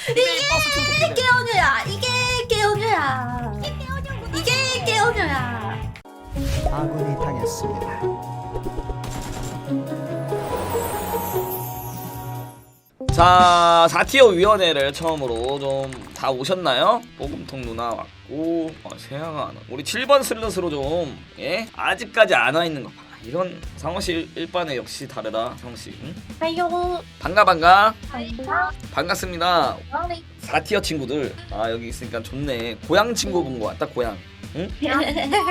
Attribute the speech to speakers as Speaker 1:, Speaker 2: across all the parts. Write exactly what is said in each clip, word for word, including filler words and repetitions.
Speaker 1: 이게 깨어녀야. 이게 깨어녀야. 이게 깨어녀야.
Speaker 2: 아군이 당했습니다.
Speaker 3: 자, 사 티어 위원회를 처음으로 좀 다 오셨나요? 뽀금통 누나 왔고, 어, 세아가 안 와. 우리 칠 번 슬롯으로 좀, 예? 아직까지 안 와 있는 거 봐. 이런 상호씨 일반에 역시 다르다, 상호씨. 응?
Speaker 1: 아유.
Speaker 3: 반가, 반가.
Speaker 1: 반가.
Speaker 3: 반갑습니다. 사 티어 친구들. 아, 여기 있으니까 좋네. 고향 친구 본 거 같다, 고향. 응?
Speaker 4: 너무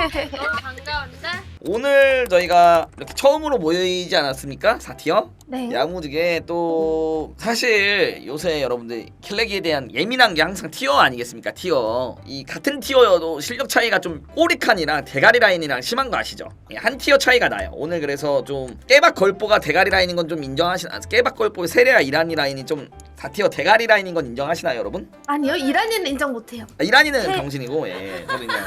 Speaker 4: 반가운데?
Speaker 3: 오늘 저희가 이렇게 처음으로 모이지 않았습니까? 사 티어?
Speaker 1: 네.
Speaker 3: 야무지게 또 사실 요새 여러분들 킬레기에 대한 예민한 게 항상 티어 아니겠습니까? 티어. 이 같은 티어여도 실력 차이가 좀 꼬리칸이랑 대가리 라인이랑 심한 거 아시죠? 한 티어 차이가 나요. 오늘 그래서 좀 깨박 걸보가 대가리 라인인 건 좀 인정하시나? 깨박 걸보의 세레아 이란이 라인이 좀 사 티어 대가리 라인인 건 인정하시나요, 여러분?
Speaker 1: 아니요, 이란이는 인정 못해요.
Speaker 3: 아, 이란이는
Speaker 1: 세-
Speaker 3: 병신이고, 예, 저도 인정.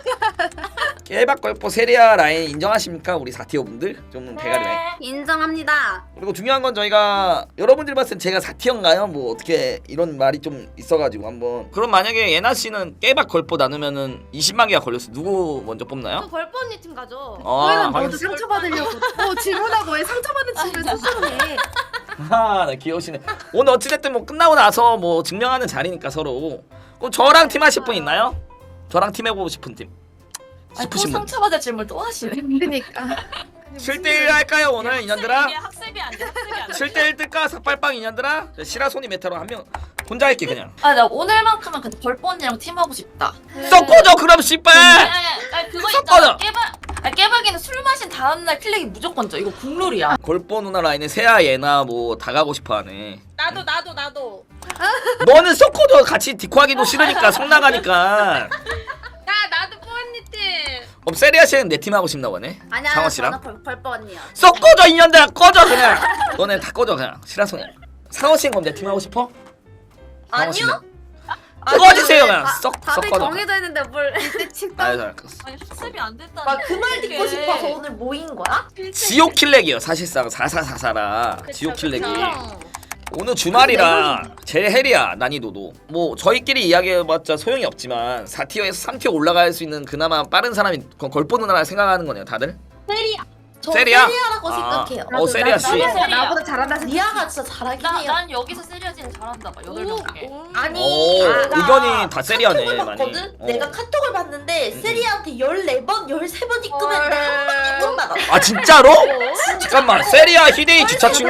Speaker 3: 깨박 걸보 세레아 라인 인정하십니까, 우리 사 티어 분들? 좀 대가리 라인.
Speaker 4: 인정합니다.
Speaker 3: 그리고 중요한 건 저희가 여러분들이 봤을 땐 제가 사 티어인가요? 뭐 어떻게 이런 말이 좀 있어가지고 한번. 그럼 만약에 예나 씨는 깨박 걸보 나누면은 이십만 개가 걸렸어. 누구 먼저 뽑나요?
Speaker 5: 저 벌보 언니 팀 가죠.
Speaker 3: 아,
Speaker 1: 왜난
Speaker 3: 확인.
Speaker 1: 너도 상처받으려고. 어, 질문하고 왜 상처받은 질문을 스스로 해.
Speaker 3: 아, 네, 귀여우시네. 오늘 어찌됐든 뭐 끝나고 나서 뭐 증명하는 자리니까 서로. 그럼 저랑 팀 하실 분 있나요? 저랑 팀 해보고 싶은 팀.
Speaker 4: 아니, 또
Speaker 3: 싶으신 분.
Speaker 4: 상처받을 질문 또 하시네.
Speaker 1: 그러니까.
Speaker 3: 칠 대 일 할까요 오늘 인연들아?
Speaker 4: 이게 학습이 안 돼. 학습이 안 돼.
Speaker 3: 칠 대 일 뜰까? 삭발빵 인연들아? 시라소니 메타로 한 명 혼자 할게 그냥.
Speaker 4: 아, 나 오늘만큼은 근데 벌보 언니랑 팀하고 싶다.
Speaker 3: 썩고져 그럼 씨발!
Speaker 4: 아니, 아니, 그거
Speaker 3: 섞어져.
Speaker 4: 있잖아. 깨박. 아, 깨박이는 술 마신 다음날 킬렉이 무조건 져. 이거 국룰이야.
Speaker 3: 골보 누나 라인에 세아 예나 뭐 다 가고 싶어하네.
Speaker 5: 나도 나도 나도.
Speaker 3: 너는 썩고져 같이 디코하기도 싫으니까 성 나가니까.
Speaker 5: 나 나도 뽀 언니 팀.
Speaker 3: 그럼 세리아 씨는 내 팀 하고 싶나 보네.
Speaker 4: 아니야,
Speaker 3: 상호 씨랑.
Speaker 4: 저는 벌, 벌보 언니야.
Speaker 3: 썩고져 인연들아 꺼져 그냥. 너네 다 꺼져 그냥. 시라소니. 상호 씨는 그럼 내 팀 하고 싶어? 상호 씨는? 꺼지세요 그냥. 썩
Speaker 4: 답이
Speaker 3: 썩고져.
Speaker 4: 정해져 있는데 뭘?
Speaker 3: 아유 잘 알겠어.
Speaker 4: 아니, 학습이 안 됐다.
Speaker 1: 그 말 듣고 싶어서 오늘 모인 거야?
Speaker 3: 지옥 킬렉이요 사실상 사사사사라. 지옥 킬렉이. 오늘 주말이라 제일 헬이야 난이도도. 뭐 저희끼리 이야기해봤자 소용이 없지만 사 티어에서 삼 티어 올라갈 수 있는 그나마 빠른 사람이 걸- 걸보 누나라 생각하는 거네요 다들?
Speaker 1: 세리아. 저
Speaker 3: 세리아?
Speaker 1: 세리아라고
Speaker 3: 아,
Speaker 1: 생각해요.
Speaker 3: 어 세리아 씨.
Speaker 4: 나도 세리아.
Speaker 1: 나보다 잘한다. 리아가 진짜 잘하긴
Speaker 4: 나,
Speaker 1: 해요.
Speaker 4: 난 여기서 세리아지는 잘한다 봐. 여덟 명 중에.
Speaker 1: 아니,
Speaker 3: 오,
Speaker 1: 내가
Speaker 3: 의견이 다 세리아네,
Speaker 1: 카톡을
Speaker 3: 많이.
Speaker 1: 봤거든?
Speaker 3: 어.
Speaker 1: 내가 카톡을 봤는데
Speaker 3: 음,
Speaker 1: 세리아한테 열네 번, 열세 번 입금했는데 한 번 입금 받았어.
Speaker 3: 아 진짜로? 잠깐만 세리아 히데이 주차충?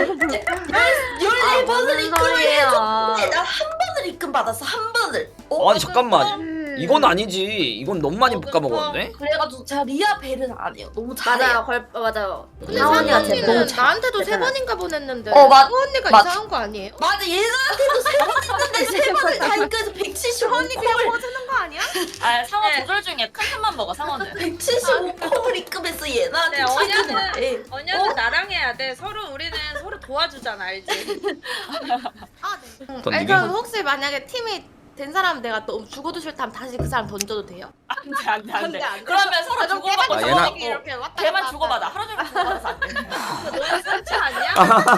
Speaker 1: 열네 번을
Speaker 4: 무슨
Speaker 1: 입금을
Speaker 4: 소리예요.
Speaker 1: 해줬는데 나 한 번을 입금 받았어. 한 번을. 어?
Speaker 3: 아니 잠깐만 이건 아니지. 이건 너무 많이 볶아먹었는데?
Speaker 1: 그래가지고 제가 리아 배를 안 해요. 너무 잘해요.
Speaker 4: 맞아요. 걸 맞아요.
Speaker 5: 근데
Speaker 1: 상원
Speaker 5: 상원
Speaker 1: 언니가 제일 너무
Speaker 5: 언니는
Speaker 1: 잘-
Speaker 5: 나한테도 세
Speaker 1: 대단하다.
Speaker 5: 번인가 보냈는데.
Speaker 1: 어, 맞-
Speaker 5: 상원 언니가
Speaker 1: 맞-
Speaker 5: 이상한 거 아니에요?
Speaker 1: 맞아, 얘한테도 세 번 했는데 세 번을 다 입금해서 백칠십오
Speaker 5: 언니 그냥
Speaker 1: 콤을
Speaker 5: 퍼주는 거 아니야?
Speaker 4: 아, 상어
Speaker 5: 네.
Speaker 4: 조절 중에 큰 틈만 먹어 상어는.
Speaker 1: 백칠십오 콤을 입금해서 얘나한테
Speaker 5: 네,
Speaker 1: 최근에.
Speaker 5: 언니는 나랑 해야 돼. 서로 우리는 서로 도와주잖아, 알지? 아, 네.
Speaker 3: 던지기?
Speaker 5: 아니 그럼 혹시 만약에 팀이 된 사람 내가 또 죽어도 싫다면 다시 그 사람 던져도 돼요?
Speaker 4: 안돼 안돼 안돼.
Speaker 5: 안 돼, 안 돼.
Speaker 4: 그러면 서로
Speaker 5: 좀
Speaker 4: 주고받고
Speaker 3: 아, 얘나-
Speaker 4: 주고받고
Speaker 5: 이렇게 왔다
Speaker 4: 걔만
Speaker 5: 갔다
Speaker 4: 주고받아.
Speaker 5: 하다가.
Speaker 4: 하루 종일 주고받아서 안 돼.
Speaker 5: 너무 상처 아니야?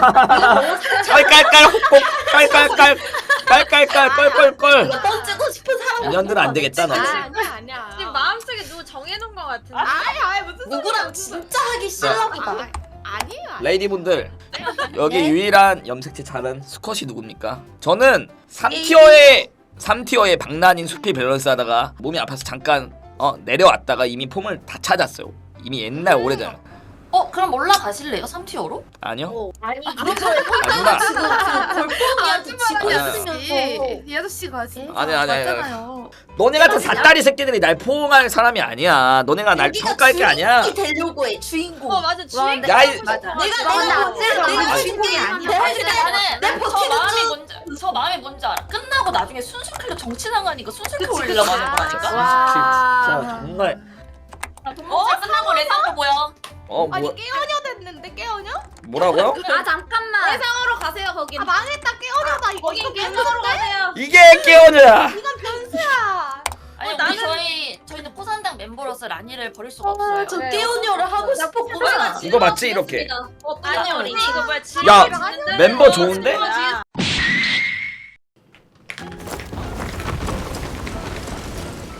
Speaker 3: 깔깔깔 혹복 깔깔깔 깔깔깔 껄껄껄.
Speaker 1: 이거 던지고 싶은 사람.
Speaker 3: 인연들은 안 되겠다 너.
Speaker 5: 아, 아니야 아니야. 지금 마음속에 누구 정해놓은 거 같은데. 아니 아니 무슨
Speaker 1: 누구랑 진짜 하기 싫어보다.
Speaker 5: 아, 아니에요.
Speaker 3: 레이디분들 여기
Speaker 1: 네?
Speaker 3: 유일한 염색체 잘한 수컷이 누굽니까? 저는 삼 티어에 삼 티어에 박난인 수피 밸런스 하다가 몸이 아파서 잠깐 어 내려왔다가 이미 폼을 다 찾았어요. 이미 옛날 오래전.
Speaker 4: 어 그럼 올라가실래요? 삼 티어로?
Speaker 3: 아니요?
Speaker 1: 아니, 그래서
Speaker 3: 아 누나.
Speaker 1: 지금 걸포니한테 지고
Speaker 3: 아니야.
Speaker 1: 있으면서.
Speaker 5: 이 아저씨가 진짜
Speaker 3: 아니, 아니, 아니, 아니.
Speaker 5: 맞잖아요.
Speaker 3: 너네 같은 삿다리 새끼들이 날 포옹할 사람이 아니야. 너네가 날 평가할 게 아니야.
Speaker 1: 주인공이 되려고 해, 주인공.
Speaker 5: 어 맞아 주인공.
Speaker 3: 야, 이-
Speaker 5: 맞아.
Speaker 1: 내가 내가 내가 내가
Speaker 3: 아니.
Speaker 1: 주인공이 아니야.
Speaker 4: 아니 근데 나는
Speaker 1: 내
Speaker 4: 나는 저
Speaker 1: 버티는
Speaker 4: 마음이
Speaker 1: 중.
Speaker 4: 뭔지 저 마음이 뭔지 알아. 끝나고 나중에 순수킬로 정치 나가니까 순수킬 올리려고 하는 거라니까.
Speaker 3: 진짜 정말.
Speaker 4: 어 끝나고 레상도 보여.
Speaker 3: 어
Speaker 5: 아니
Speaker 3: 뭐,
Speaker 5: 깨어녀 됐는데 깨어녀?
Speaker 3: 뭐라고요?
Speaker 4: 아 잠깐만.
Speaker 5: 해상으로 가세요 거기. 아 망했다 깨어녀다 이거. 이건
Speaker 4: 해상으로 가세요.
Speaker 3: 이게 깨어녀야.
Speaker 5: 이건 변수야.
Speaker 4: 아니
Speaker 5: 어,
Speaker 4: 우리
Speaker 5: 나는-
Speaker 4: 저희 저희는 포산당 멤버로서 라니를 버릴 수가
Speaker 1: 아,
Speaker 4: 없어요.
Speaker 1: 저
Speaker 5: 네.
Speaker 1: 깨우녀를 하고 싶었구나.
Speaker 3: 이거 맞지 이렇게?
Speaker 5: 아니 우리 이거 뭐야?
Speaker 3: 야,
Speaker 5: 지은이랑 하는
Speaker 3: 멤버
Speaker 5: 거야.
Speaker 3: 좋은데?
Speaker 5: 지은이야.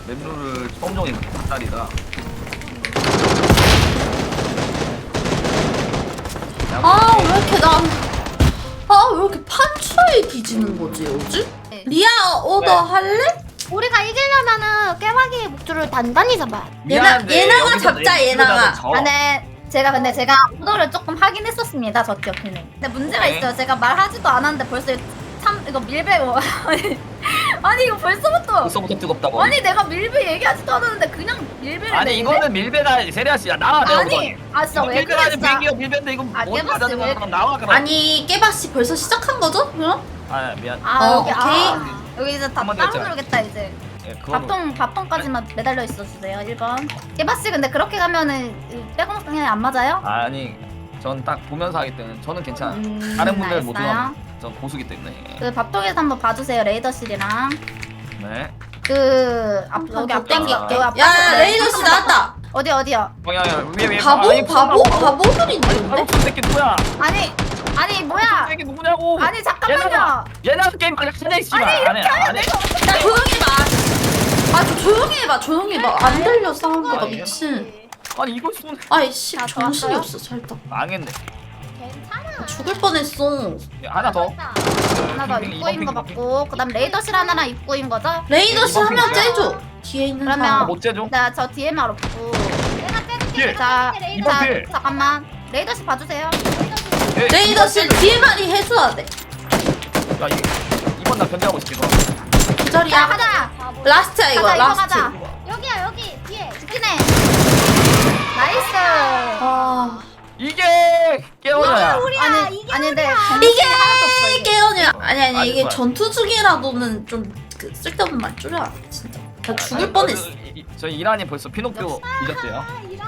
Speaker 3: 맵룰을 처음 정해 딸이다.
Speaker 1: 아 왜 이렇게 난 아 왜 이렇게 판초에 뒤지는 거지 요즘? 리아 오더
Speaker 3: 네.
Speaker 1: 할래?
Speaker 6: 우리가 이기려면은 깨박이의 목줄을 단단히 잡아야 돼.
Speaker 1: 예나 예나가 잡자 예나가.
Speaker 6: 아, 네. 제가 근데 제가 오더를 조금 하긴 했었습니다. 저 기억에는. 근데 문제가
Speaker 3: 네.
Speaker 6: 있어요. 제가 말하지도 않았는데 벌써 참 이거 밀배 뭐 아니, 아니 이거 벌써부터
Speaker 3: 벌써부터 뜨겁다고.
Speaker 6: 아니 내가 밀배 얘기하지도 않았는데 그냥 밀배를
Speaker 3: 아니
Speaker 6: 내는데?
Speaker 3: 이거는 밀배다 세리아 씨야 나와 내가
Speaker 6: 아니 아 진짜 왜 그래
Speaker 3: 밀배라니
Speaker 6: 진짜.
Speaker 3: 밀기야 밀배인데 이거
Speaker 6: 아,
Speaker 3: 뭔
Speaker 6: 깨봤지,
Speaker 3: 말하는
Speaker 6: 왜
Speaker 3: 거야? 나와 그럼.
Speaker 1: 아니 깨박씨 벌써 시작한 거죠? 그럼?
Speaker 3: 아 미안.
Speaker 6: 아
Speaker 1: 어,
Speaker 6: 여기
Speaker 1: 오케이.
Speaker 6: 아 여기 이제 다
Speaker 3: 한마디
Speaker 6: 따로
Speaker 3: 했잖아.
Speaker 6: 누르겠다 이제.
Speaker 3: 예, 그건
Speaker 6: 밥통 밥통까지만 매달려 있어 주세요. 일 번. 깨박씨 근데 그렇게 가면은 빼꼼방에 안 맞아요?
Speaker 3: 아니 전 딱 보면서 하기 때문에 저는 괜찮아.
Speaker 6: 음,
Speaker 3: 다른 분들 못
Speaker 6: 알았어요.
Speaker 3: 들어가면 전 고수기 때문에.
Speaker 6: 그 밥통에서 한번 봐주세요. 레이더실이랑
Speaker 3: 네.
Speaker 6: 그 앞, 여기
Speaker 1: 아,
Speaker 6: 앞땡기
Speaker 1: 아,
Speaker 6: 여기 앞.
Speaker 1: 야 레이더씨 나왔다.
Speaker 6: 어디 어디요?
Speaker 3: 방향 위에 위에.
Speaker 1: 바보?
Speaker 3: 아니,
Speaker 1: 바보?
Speaker 3: 바보?
Speaker 1: 바보들인데
Speaker 3: 아니
Speaker 1: 근데?
Speaker 3: 바보 새끼 누구야?
Speaker 6: 아니 아니 뭐야?
Speaker 3: 새끼 누구냐고?
Speaker 6: 아니 잠깐만요.
Speaker 3: 얘나 게임 그냥 하자 씨발. 아니 아니.
Speaker 1: 야 조용히 해봐. 아저 조용히 해봐 조용히 해봐. 안 들려 사운드가
Speaker 3: 아니에요?
Speaker 1: 미친.
Speaker 3: 아니 이거 손
Speaker 1: 아이씨
Speaker 6: 아,
Speaker 1: 정신이
Speaker 6: 좋았어요?
Speaker 1: 없어 잘다.
Speaker 3: 망했네.
Speaker 6: 괜찮아.
Speaker 1: 죽을 뻔했어.
Speaker 3: 야, 하나 더.
Speaker 6: 하나 더
Speaker 3: 핑,
Speaker 6: 입구인 거
Speaker 3: 이번 핑,
Speaker 6: 맞고 그다음 레이더실 하나랑 입구인 거죠?
Speaker 1: 레이더씨
Speaker 3: 이번
Speaker 1: 하면
Speaker 3: 핑크야.
Speaker 1: 째줘. 뒤에 있는
Speaker 6: 그러면-
Speaker 1: 사람.
Speaker 3: 못 재줘?
Speaker 6: 나 저 디엠알 없고.
Speaker 3: 필.
Speaker 6: 자,
Speaker 3: 이번
Speaker 6: 자
Speaker 3: 필.
Speaker 6: 잠깐만. 레이더실 봐주세요.
Speaker 3: 예,
Speaker 1: 레이더씨 뒤에 말이 해줘야 돼.
Speaker 3: 야 이, 이번 나 견제하고 있을게 그럼.
Speaker 1: 그
Speaker 6: 자
Speaker 1: 자리야.
Speaker 6: 가자.
Speaker 1: 라스트야 이거
Speaker 6: 가자 이거
Speaker 1: 라스트.
Speaker 6: 가자.
Speaker 5: 여기야 여기 뒤에.
Speaker 6: 죽긴 해. 나이스.
Speaker 1: 아
Speaker 3: 이게 깨어나야.
Speaker 6: 아니 아니 근데
Speaker 1: 이게
Speaker 6: 하나도 없어 이게.
Speaker 1: 깨어냐? 아니 아니
Speaker 3: 아니,
Speaker 1: 이게
Speaker 3: 뭐야.
Speaker 1: 전투 중이라도는 좀 그 쓸데없는 말 줄여야 돼 진짜. 나 죽을 뻔했어.
Speaker 3: 저희 이란이 벌써 피노키오 잊었대요.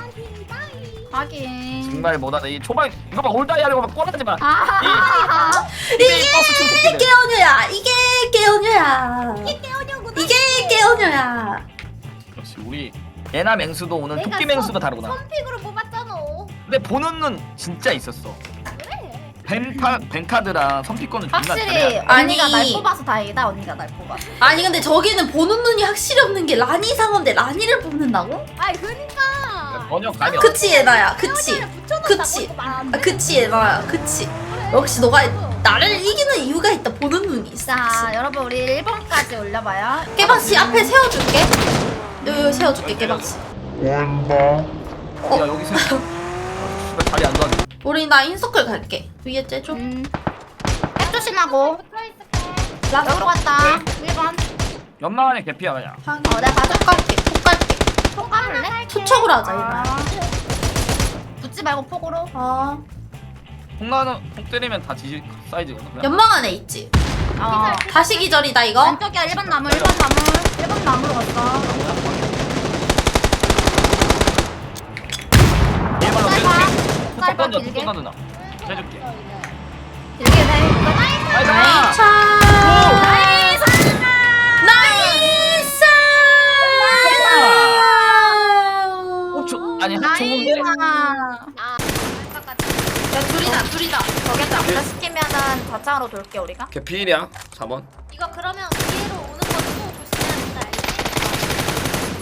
Speaker 6: 하긴.
Speaker 3: 정말 못하네. 이 초반 이거 봐 올다이 하려고 막 꼬라지 마.
Speaker 6: 아.
Speaker 3: 이게 버스 친 새끼들.
Speaker 1: 깨어녀야 이게 깨어녀야. 이게 깨어녀구나. 이게 깨어녀야.
Speaker 3: 그렇지 우리 예나 맹수도 오늘
Speaker 5: 내가
Speaker 3: 토끼 맹수도 다르구나.
Speaker 5: 픽으로 뽑았잖아.
Speaker 3: 근데 보는 눈 진짜 있었어. 벤카 벤카드랑 선피권을 존나
Speaker 6: 확실히
Speaker 3: 잘해야 돼.
Speaker 6: 언니가
Speaker 1: 아니.
Speaker 6: 날 뽑아서 다행이다. 언니가 날 뽑아서.
Speaker 1: 아니 근데 저기는 보는 눈이 확실히 없는 게 라니 상어인데 라니를 뽑는다고?
Speaker 5: 아이 그러니까.
Speaker 3: 전혀 감이 없어.
Speaker 1: 그치 얘나야 그치. 그치. 아, 그치 얘나야 그치. 역시 너가 나를 이기는 이유가 있다. 보는 눈이 있어.
Speaker 6: 자 여러분 우리 일 번까지 올려봐요.
Speaker 1: 깨박씨 앞에 세워줄게. 여기, 여기 세워줄게 깨박씨.
Speaker 3: 야 여기서 아, 다리 안 좋아져.
Speaker 1: 우리 나 인서클 갈게. 위에 째줘.
Speaker 6: 음. 백 조심하고.
Speaker 5: 붙어있을게.
Speaker 6: 여기로 갔다. 일 번.
Speaker 3: 연막 안에 개피야 그냥.
Speaker 1: 어
Speaker 6: 내가 봐줘.
Speaker 1: 폭 갈게. 폭 갈게.
Speaker 6: 폭 까볼래?
Speaker 1: 투척으로 하자
Speaker 6: 아.
Speaker 1: 이거.
Speaker 6: 붙지 말고 폭으로.
Speaker 1: 아
Speaker 3: 폭나는 폭 때리면 다 지지 사이즈거든. 그냥.
Speaker 1: 연막 안에 있지.
Speaker 6: 어.
Speaker 1: 다시 기절이다 이거.
Speaker 6: 왼쪽이야 일 번 나무 일 번 나무. 일 번 나무로 갔어.
Speaker 3: 얘만 더
Speaker 6: 짧아.
Speaker 3: 해줄게.
Speaker 6: 짧아,
Speaker 3: 던져
Speaker 6: 길게.
Speaker 3: 던져 누나. 해줄게.
Speaker 6: 길게 돼.
Speaker 3: 나이스.
Speaker 1: 나이스. 나이스.
Speaker 3: 오, 저, 아니 한 좋은데?
Speaker 5: 아.
Speaker 6: 야 둘이다 둘이다. 저기한테 앞에 시키면은 좌창으로 돌게 우리가.
Speaker 3: 개피일이야. 사 번.
Speaker 5: 이거 그러면 뒤로 오는 것도 조심해야 된다 알지?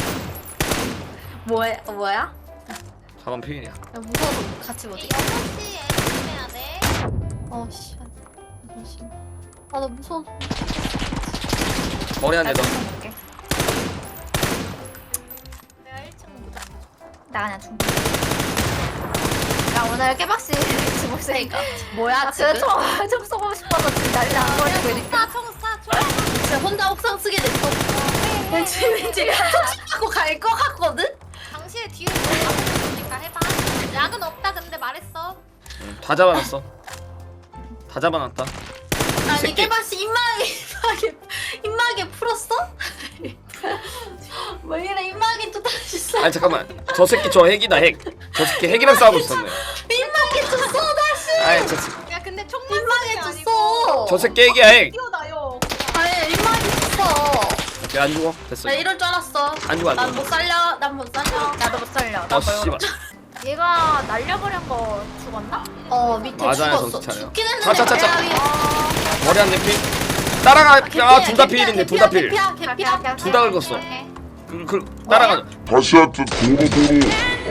Speaker 6: 뭐야 뭐야?
Speaker 3: 사 번 피일이야.
Speaker 6: 야, 무서워서 같이 못.
Speaker 5: 이 여섯 시에 조심해야 돼.
Speaker 1: 어 씨. 아나 무서워.
Speaker 3: 머리 한 대 더.
Speaker 6: 볼게.
Speaker 5: 내가 일 층 보자.
Speaker 6: 나 그냥 중. 야 오늘 깨박씨 같이 목소리가 뭐야 지금? 총, 총 쏘고 싶어서 지금 난리 안 버리고 있으니까
Speaker 5: 총 쏴, 총 쏴.
Speaker 1: 진짜 혼자 옥상 쓰게 됐어. 왠지 왠지 하고 갈 것 같거든.
Speaker 5: 당신의 뒤에 있으니까 해봐. 약은 없다 근데 말했어.
Speaker 3: 응, 다 잡아놨어. 다 잡아놨다.
Speaker 1: 아니
Speaker 3: 새끼.
Speaker 1: 깨박씨 입마개 입마개 입마개 풀었어? 왜 이래 입마개 또 다시 써?
Speaker 3: 아니 잠깐만. 저 새끼 저 핵이다 핵. 저 새끼 핵이랑 싸우고 있었네.
Speaker 1: 입마개 줬어 다시.
Speaker 3: 아니 저 새끼.
Speaker 5: 야 근데 총만
Speaker 1: 입마개
Speaker 5: 쏘는 게
Speaker 1: 줬어.
Speaker 3: 저 새끼 핵이야 핵.
Speaker 5: 뛰어나요.
Speaker 1: 아니 입마개 줬어.
Speaker 3: 오케이 안 죽어. 됐어.
Speaker 1: 나 이럴 줄 알았어.
Speaker 3: 안 죽어 안
Speaker 1: 난
Speaker 3: 죽어.
Speaker 1: 못 살려. 난 못 살려.
Speaker 6: 나도 못 살려. 나
Speaker 3: 어 씨발.
Speaker 6: 얘가 날려버린 거 죽었나?
Speaker 1: 어 밑에
Speaker 3: 맞아요,
Speaker 1: 죽었어.
Speaker 3: 정신 차려.
Speaker 1: 죽긴 했는데.
Speaker 3: 차차차차.
Speaker 1: 배야 위에.
Speaker 3: 머리 한 대 필. 따라가. 아 둘 다 필인데 둘 다 필.
Speaker 1: 개피야 개피야.
Speaker 3: 둘 다 긁었어.
Speaker 6: 오케이.
Speaker 3: 그, 그 따라가자.
Speaker 7: 다시 하여튼 도로 도로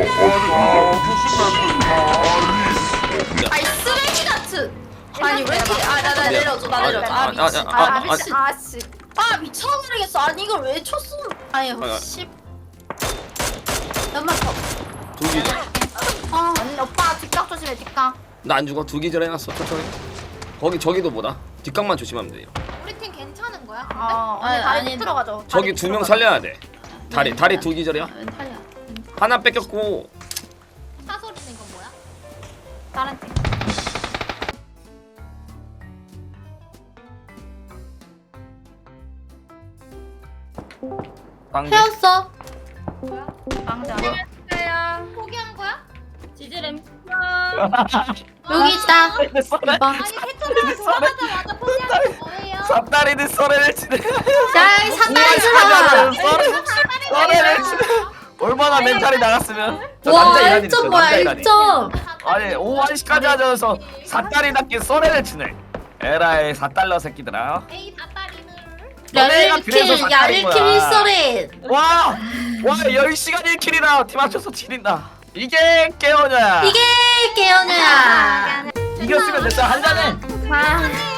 Speaker 1: 아이 쓰레기 같은. 아니 왜 이렇게 아나 나 내려줘 나 내려줘. 아 미친.
Speaker 3: 아, 아,
Speaker 1: 아
Speaker 3: 아,
Speaker 1: 미친.
Speaker 6: 아씨.
Speaker 1: 아 미쳐버리겠어. 아니 이걸 왜 쳤어? 아니
Speaker 3: 아,
Speaker 1: 씨. 연막 더.
Speaker 3: 두 기절.
Speaker 1: 아
Speaker 6: 언니 오빠 뒷각 조심해 뒷각.
Speaker 3: 나 안 죽어. 두 기절 해놨어. 천천히. 거기 저기도 뭐다. 뒷각만 조심하면 돼요.
Speaker 5: 우리 팀 괜찮은 거야?
Speaker 6: 어
Speaker 1: 아니,
Speaker 6: 언니 다리
Speaker 1: 아니,
Speaker 6: 쭉 들어가죠.
Speaker 3: 저기 두 명 살려야 돼. 다리
Speaker 1: 네,
Speaker 3: 다리
Speaker 1: 네.
Speaker 3: 두 기절이야.
Speaker 1: 왼팔이야.
Speaker 3: 하나 뺏겼고.
Speaker 5: 차 소리 내는 건 뭐야?
Speaker 6: 다른 팀.
Speaker 3: 방금.
Speaker 1: 태웠어.
Speaker 6: 방자.
Speaker 5: 야 포기한 거야?
Speaker 4: 지질 엠
Speaker 1: 여기 있다. 이봐.
Speaker 5: 아니 패턴을 돌아가자마자 포기한 게 뭐예요?
Speaker 3: 삽다리는 썰어를 치네.
Speaker 1: 야 사다리 들어가.
Speaker 3: 썰어를 치네. 얼마나 멘탈이 나갔으면. 저
Speaker 1: 와
Speaker 3: 남자 이란이
Speaker 1: 일
Speaker 3: 있어,
Speaker 1: 점 뭐야
Speaker 3: 남자
Speaker 1: 일
Speaker 3: 이란이.
Speaker 1: 점.
Speaker 3: 아니 오한시까지 하면서 삿다리답게 썰어를 치네. 에라이 삿달러 새끼들아.
Speaker 5: 에이 다다리는
Speaker 3: 너네가 그래서
Speaker 1: 야일킬
Speaker 3: 삭발인
Speaker 1: 야일킬
Speaker 3: 거야.
Speaker 1: 일설에.
Speaker 3: 와! 와 열 시간 일 킬이나 팀 합쳐서 칠인다. 이게 깨어냐.
Speaker 1: 이게 깨어냐.
Speaker 3: 이겼으면 됐어 한 잔에.
Speaker 6: 아.